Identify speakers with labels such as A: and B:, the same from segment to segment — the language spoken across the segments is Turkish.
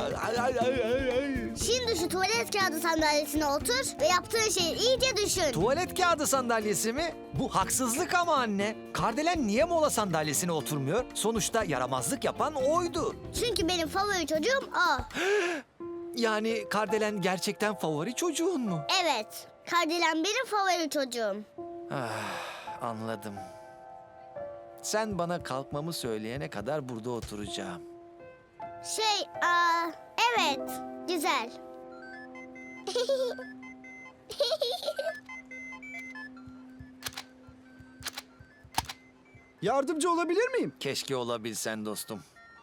A: Şimdi şu tuvalet kağıdı sandalyesine otur ve yaptığın şeyi iyice düşün.
B: Tuvalet kağıdı sandalyesi mi? Bu haksızlık ama anne. Kardelen niye mola sandalyesine oturmuyor? Sonuçta yaramazlık yapan oydu.
A: Çünkü benim favori çocuğum o.
B: Yani Kardelen gerçekten favori çocuğun mu?
A: Evet, Kardelen benim favori çocuğum.
B: Anladım. Sen bana kalkmamı söyleyene kadar burada oturacağım.
A: Evet, güzel.
C: Yardımcı olabilir miyim?
B: Keşke olabilsen dostum.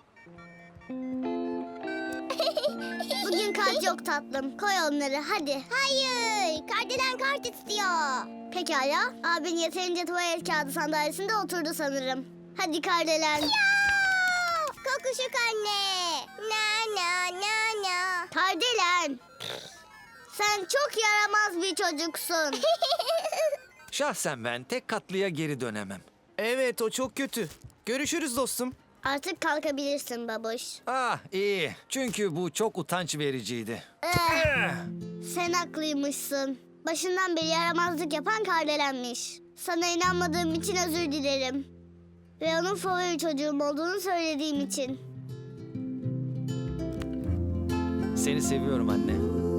A: Bugün kart yok tatlım. Koy onları hadi. Hayır. Kardelen kart istiyor. Pekala. Abin yeterince tuvalet kağıdı sandalyesinde oturdu sanırım. Hadi Kardelen. Kokuşuk anne. Na na na na. Kardelen. Sen çok yaramaz bir çocuksun.
B: Şahsen ben tek katlıya geri dönemem.
D: Evet, o çok kötü. Görüşürüz dostum.
A: Artık kalkabilirsin babuş.
B: Ah iyi. Çünkü bu çok utanç vericiydi.
A: Sen haklıymışsın. Başından beri yaramazlık yapan Kardelen'miş. Sana inanmadığım için özür dilerim. Ve onun favori çocuğum olduğunu söylediğim için.
B: Seni seviyorum anne.